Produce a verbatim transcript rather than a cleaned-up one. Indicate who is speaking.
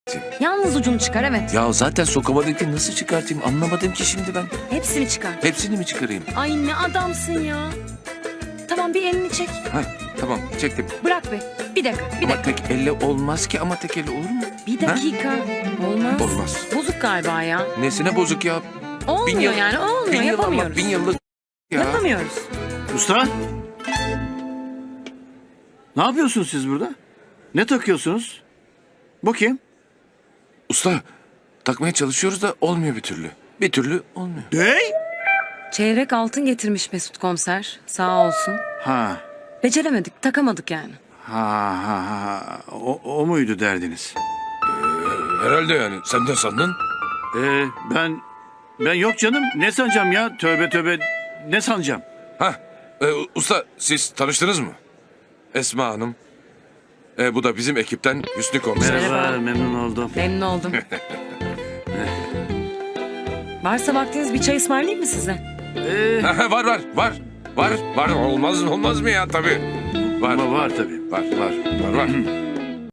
Speaker 1: Yalnız ucunu çıkar, evet.
Speaker 2: Ya zaten sokamadım ki, nasıl çıkartayım anlamadım ki şimdi ben.
Speaker 1: Hepsini çıkar.
Speaker 2: Hepsini mi çıkarayım?
Speaker 1: Ay ne adamsın ya. Tamam, bir elini çek.
Speaker 2: Ha, tamam çektim.
Speaker 1: Bırak be. Bir dakika, bir
Speaker 2: Ama
Speaker 1: dakika.
Speaker 2: tek elle olmaz ki, ama tek elle olur mu?
Speaker 1: Bir dakika. Olmaz.
Speaker 2: Olmaz.
Speaker 1: Bozuk galiba ya.
Speaker 2: Nesine bozuk ya?
Speaker 1: Olmuyor
Speaker 2: yıl-
Speaker 1: yani, olmuyor.
Speaker 2: Bin yıl ama
Speaker 1: Yapamıyoruz.
Speaker 2: bin yıllık ya.
Speaker 1: Yapamıyoruz.
Speaker 3: Usta? Ne yapıyorsunuz siz burada? Ne takıyorsunuz? Bu kim?
Speaker 2: Usta, takmaya çalışıyoruz da olmuyor bir türlü. Bir türlü olmuyor.
Speaker 3: Ne?
Speaker 1: Çeyrek altın getirmiş Mesut komiser. Sağ olsun.
Speaker 3: Ha.
Speaker 1: Beceremedik, takamadık yani.
Speaker 3: Ha ha ha. O, o muydu derdiniz?
Speaker 2: Herhalde yani. Sen de sandın.
Speaker 3: Ee, ben... Ben yok canım. Ne sanacağım ya? Tövbe tövbe. Ne sanacağım?
Speaker 2: Hah, e, usta siz tanıştınız mı? Esma Hanım. E, bu da bizim ekipten Hüsnü Komiser.
Speaker 3: Merhaba,
Speaker 1: Merhaba.
Speaker 3: memnun oldum.
Speaker 1: Memnun oldum. Varsa vaktiniz bir çay ısmarlayayım mı size?
Speaker 3: Ee,
Speaker 2: Ha, var var var. Var var olmaz olmaz mı ya tabii. Var
Speaker 3: ama var tabii.
Speaker 2: var var var var.